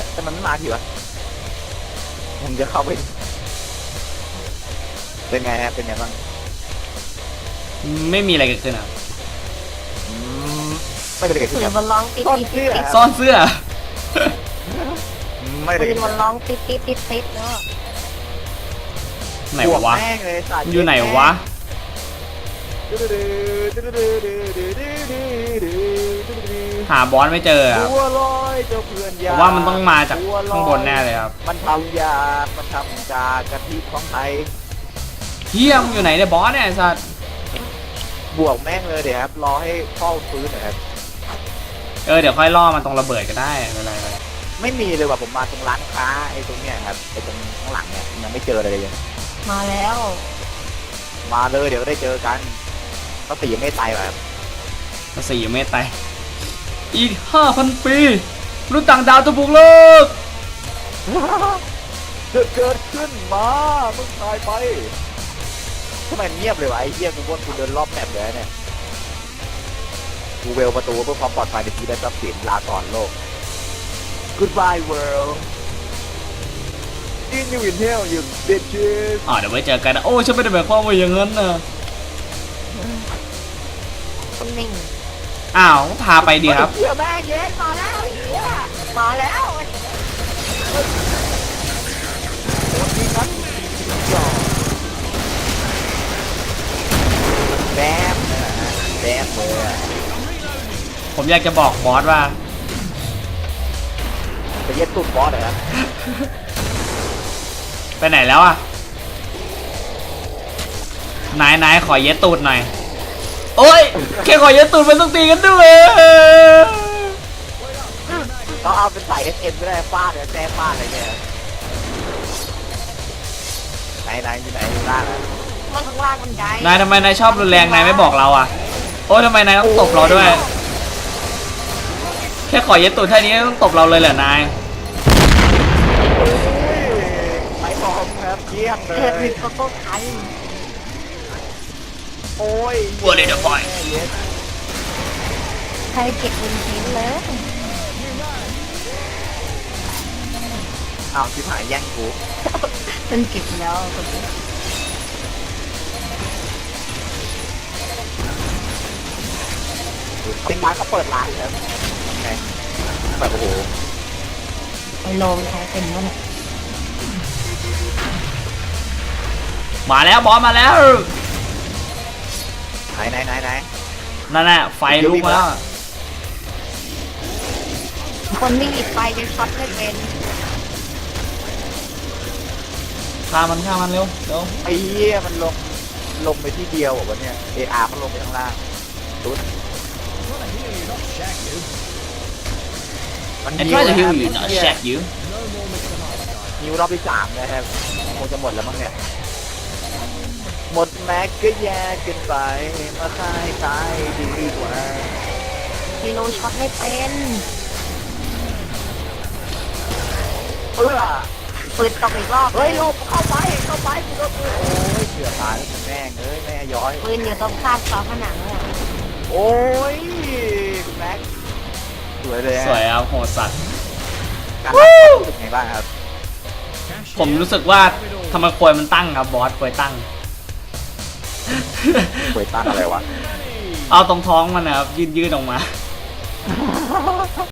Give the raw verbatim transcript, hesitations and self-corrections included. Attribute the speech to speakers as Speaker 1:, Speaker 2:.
Speaker 1: แต่มันไม่มาทีวะผมจะเข้าไปเป็นไงฮะเป็นไงบ้าง
Speaker 2: ไม่มีอะไรเกิดขึ้นอ่ะ
Speaker 1: อืมไม่ได้เกิดขึ้
Speaker 3: ปื
Speaker 1: น
Speaker 3: น
Speaker 1: ครับ
Speaker 3: มันร้องติด
Speaker 1: ซ่อน
Speaker 3: ติด
Speaker 1: เสื้อ
Speaker 3: ติด
Speaker 2: ซ่อนเสื้อ
Speaker 1: ไม่ได้
Speaker 3: ปื
Speaker 1: เกิ
Speaker 3: น
Speaker 1: ด
Speaker 3: มันร้องติดติดติดติดแล้ว
Speaker 2: ไหน
Speaker 1: บวก
Speaker 2: วะ
Speaker 1: แม่งเลยสัตว์
Speaker 2: อยู่ไหนวะหาบอสไม่เจอครับ
Speaker 1: บัวลอยเจ้าเพื่อน
Speaker 2: ผ
Speaker 1: ยาม
Speaker 2: ว่ามันต้องมาจากข้างบนแน่เลยครับ
Speaker 1: มันทำยามันทำจากกะทิของไทย
Speaker 2: เฮียมงอยู่ไหนเนี่ยบอสเนี่ยไอ้สัตว์
Speaker 1: บวกแม่งเลยเดี๋ยวครับรอให้พ่อฟื้นหน่อยครับ
Speaker 2: เออเดี๋ยวค่อยล่อมันตรงระเบิดก็ได้ไม่เป็นไรเลย
Speaker 1: ไม่มีเลยว่ะผมมาตรงร้านค้าไอ้ตรงเนี้ยครับไอ้ตรงข้างหลังเนี่ยยังไม่เจออะไรเลย
Speaker 3: มาแล้ว
Speaker 1: มาเลยเดี๋ยวได้เจอกันก็ตีไม่ตายแบบ
Speaker 2: ภาษียังไม่ตายอีกห้าพันปีมนุษย์ต่างดาวจะบุกโลก
Speaker 1: เกิดขึ้นมามึงตายไปทำไมเงียบเลยวะไอ้เหี้ยกูว่ากูเดินรอบแมปเลยเนี่ยกูเวลประตูเพื่อความปลอดภัยในที่ได้ทรัพย์สินลาก่อนโลก Goodbye world In you in hell you bitches
Speaker 2: อ๋อเดี๋ยวไว้เจอกันนะโอ้ฉันไม่ได้หมายความว่าอย่างนั้นนะ
Speaker 3: คนนิ่ง
Speaker 2: อ้าวพาไปดีครับ
Speaker 1: เหี้ยแม่เย็นมาแล้วไอ้เหี้ย
Speaker 3: มาแล้ว
Speaker 1: โอ้ยยิงกันแบมนะฮะแบมเลยอะ
Speaker 2: ผมอยากจะบอกบอสว่า
Speaker 1: ไปเย็ดตุ่มบอสเหรอครับ
Speaker 2: ไปไหนแล้วอ่ะนายนายขอเย็ดตูดหน่อยโอ้ยแค่ขอเย็ดตูดมันต้องตีกันด้วย
Speaker 1: ต้องเอาเป็นสายเอสเอ็มก็ได้ฟาดเลยแจ้ฟาดอะไรเนี่ยไหนไหนอยู่ไหนอยู่ล่างอะ
Speaker 3: มันข้างล่างมันใหญ่
Speaker 2: นายทำไมนายชอบรุนแรงนายไม่บอกเราอ่ะโอ้ยทำไมนายต้องตบเราด้วยแค่ขอเย็ดตูดแค่นี้ต้องตบเราเลยเหรอนาย
Speaker 1: ไปพร้อมครับเยี่ยมเล
Speaker 3: เกิด
Speaker 1: ย
Speaker 3: มีโกโก้ไทย
Speaker 1: โอ้ย
Speaker 2: วัวเลยเดี๋ยวปล่อย
Speaker 3: ใครเก็บเงินทิ้งเลย
Speaker 1: เอาชิบหายแย่งกู
Speaker 3: มันเก็บแล้วคนนี้
Speaker 1: ติ๊กมาเขาเปิดร้านแล้วไงแบบโอ้โห
Speaker 3: ไปโลงใช้เป็นวะเนี่ย
Speaker 2: มาแล้วบอสมาแล้ว
Speaker 1: ไหนไหนไหนไหน
Speaker 2: นั่นน่ะไฟลุกมาแล้ว
Speaker 3: คนไม่หยิบไฟจะช็อตไม่เป็น
Speaker 2: ฆ่ามันฆ่ามันเร็วเร็ว
Speaker 1: ไอ้เหี้ยมันลงลงไปที่เดียวเหรอวะเนี่ยเออาร์มันลงไปข้างล่างตุ๊ดมัน
Speaker 2: ไอ้ที่จะฮิวอยู่เนาะแชกอยู่
Speaker 1: ฮิวรอบที่สามนะครับคงจะหมดแล้วมั้งเนี่ยหมดแม็กก็แย่เกินไปมาคายคายดีกว่า
Speaker 3: กิโลช็อตไม่เป็น
Speaker 1: เพื่อ
Speaker 3: ปืนตกอีกรอบ
Speaker 1: เฮ้ยหลบเข้าไปเข้าไปกูก็โอ้ยเสือตายแล้วแม่งเอ้ยแม่ย้อย
Speaker 3: ปืนอยู่ตรงข้ามฝาผนังเลย
Speaker 1: โอ้ยคุณแม็กสวยเลย
Speaker 2: สวยครับโหดสัตว์
Speaker 1: การรับรู้สึกไงบ้างครับ
Speaker 2: ผมรู้สึกว่าทำไมควยมันตั้งครับบอสควยตั้ง
Speaker 1: ควยตั้งอะไรวะ
Speaker 2: เอาตรงท้องมันนะครับยืดยืดออกมา